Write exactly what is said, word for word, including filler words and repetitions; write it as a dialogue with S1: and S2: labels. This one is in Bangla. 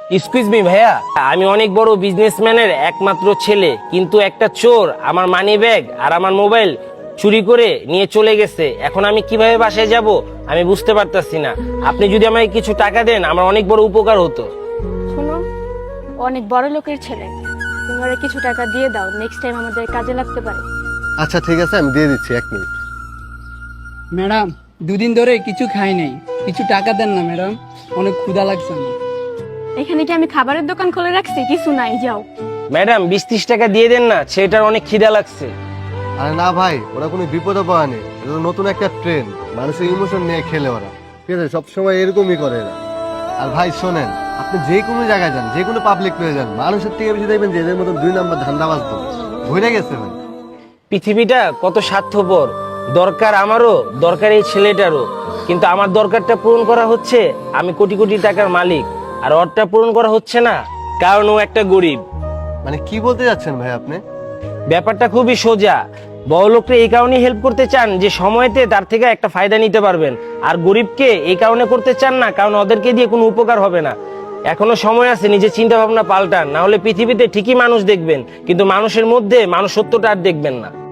S1: এক্সকিউজ মি ভাইয়া, আমি অনেক বড় বিজনেসম্যানের একমাত্র ছেলে, কিন্তু একটা চোর আমার মানি ব্যাগ আর আমার মোবাইল চুরি করে নিয়ে চলে গেছে। এখন আমি কিভাবে বাসায় যাব আমি বুঝতে পারতাছি না। আপনি যদি আমাকে কিছু টাকা দেন আমার অনেক বড় উপকার হতো।
S2: শোনো, অনেক বড় লোকের ছেলে, তুমি ওরা কিছু টাকা দিয়ে দাও, নেক্সট টাইম আমাদের কাজে লাগতে পারে।
S3: আচ্ছা ঠিক আছে, আমি দিয়ে দিচ্ছি, এক মিনিট।
S4: ম্যাডাম, দুদিন ধরে কিছু খাই নাই, কিছু টাকা দেন না ম্যাডাম, অনেক ক্ষুধা লাগছে আমার।
S2: এখানে কি আমি খাবারের দোকান খুলে রাখছি? কিছু নাই, যাও।
S1: ম্যাডাম বিশ ত্রিশ টাকা দিয়ে দেন না, ছেলেটার অনেক খিদা লাগছে।
S3: আরে না ভাই, ওরা কোনো বিপদে পড়েনি, এটা তো নতুন একটা ট্রেন, মানুষের ইমোশন নিয়ে খেলে ওরা, ঠিক আছে? সবসময় এরকমই করে এরা। আর ভাই শোনেন, আপনি যে কোনো জায়গায় যান, যে কোনো পাবলিক প্লেসে যান, মানুষের থেকে বেশি দেখবেন যে এদের মতন দুই নাম্বার ধান্দাবাজ তো ভরে গেছে ভাই।
S1: পৃথিবীটা কত স্বার্থপর, দরকার আমারও, দরকার এই ছেলেটারও, কিন্তু আমার দরকারটা পূরণ করা হচ্ছে, আমি কোটি কোটি টাকার মালিক, আর ওরটা পূরণ করা হচ্ছে না কারণ ও একটা গরিব।
S3: মানে কি বলতে যাচ্ছেন ভাই আপনি?
S1: ব্যাপারটা খুবই সোজা। বড়লোককে এই কারণেই হেল্প করতে চান যে সময়তে তার থেকে একটা ফায়দা নিতে পারবেন, আর গরিবকে এই কারণে করতে চান না কারণ ওদেরকে দিয়ে কোনো উপকার হবে না। এখনো সময় আছে, নিজের চিন্তা ভাবনা পাল্টান, না হলে পৃথিবীতে ঠিকই মানুষ দেখবেন কিন্তু মানুষের মধ্যে মানুষ সত্যটা আর দেখবেন না।